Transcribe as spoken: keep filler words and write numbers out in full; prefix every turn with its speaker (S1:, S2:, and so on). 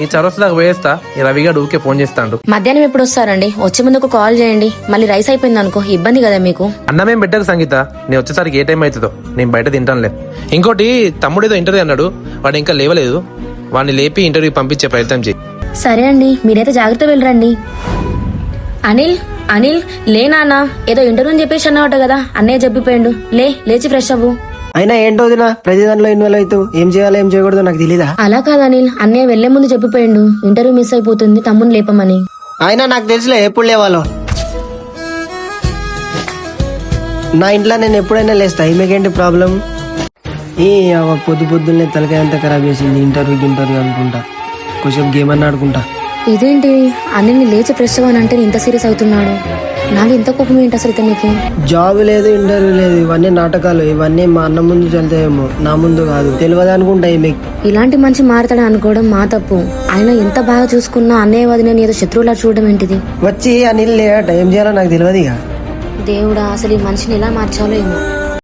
S1: ఈ చౌరస్తా దాకా పోయేస్తా. ఈ రవిగాడు ఊకే ఫోన్ చేస్తాడు.
S2: మధ్యాహ్నం ఎప్పుడు వస్తారండి? వచ్చే ముందు ఒక కాల్ చేయండి. మళ్ళీ రైస్ అయిపోయింది అనుకో ఇబ్బంది కదా మీకు.
S1: అన్నమేం పెట్టారు సంగీత, నేను వచ్చేసరికి ఏ టైం అవుతుందో, నేను బయట తింటానులే. ఇంకోటి తమ్ముడు ఏదో ఇంటర్వ్యూ అన్నాడు, వాడు ఇంకా లేవలేదు. వాడిని లేపి ఇంటర్వ్యూ పంపించే ప్రయత్నం చేయి.
S2: సరే అండి, మీరైతే జాగ్రత్త వెళ్ళరండి. అనిల్ అనిల్ లే నాన్న, ఏదో ఇంటర్వ్యూ అని చెప్పేసి అన్నమాట కదా, అన్నయ్య చెప్పిపోయాడు. లే లేచి ఫ్రెష్ అవ్వు.
S3: అయినా ఏంటో దినా ప్రతి దాంట్లో ఇన్వాల్వ్ అవుతావు. ఏం చేయాలో ఏం చేయకూడదు నాకు తెలీదా?
S2: అలా కాదు అనిల్, అన్నయ్య వెళ్లే ముందు చెప్పిపోయాడు ఇంటర్వ్యూ మిస్ అయిపోతుంది తమ్ముని లేపమని.
S3: అయినా నాకు తెలుసులే ఎప్పుడు లేవాలో. నా ఇంట్లో నేను ఎప్పుడైనా లేస్తా, ఈమెకేంటి ప్రాబ్లం? ఈ పొద్దు పొద్దున్నే తలకాయ అంతా ఖరాబ్ చేసింది. ఇంటర్వ్యూ ఇంటర్వ్యూ అనుకుంటా, కొంచెం గేమ్ అన్న ఆడుకుంటా.
S2: ఇదేంటి అనిల్ని లేచి ఫ్రెష్ అవ్వని అంటే ఇంత సీరియస్ అవుతున్నాడు? నాకు ఇంత కోపం ఏంటి అసలు ఇతనికి?
S3: జాబ్ లేదు, ఇంటర్వ్యూ లేదు, ఇవన్నీ నాటకాలు. ఇవన్నీ మా అన్న ముందు చల్తాయేమో, నా ముందు కాదు. తెలియదు అనుకుంటా మీకు.
S2: ఇలాంటి మనిషి మారతాడని అనుకోవడం మా తప్పు. ఆయన ఎంత బాగా చూసుకున్నా అన్నయ్య వదిన ఏదో శత్రువులా చూడడం ఏంటిది?
S3: వచ్చి అనిల్ లేట ఏం చేయాలో నాకు తెలియదు. ఇక
S2: దేవుడా, అసలు ఈ మనిషిని ఎలా మార్చాలో ఏమో.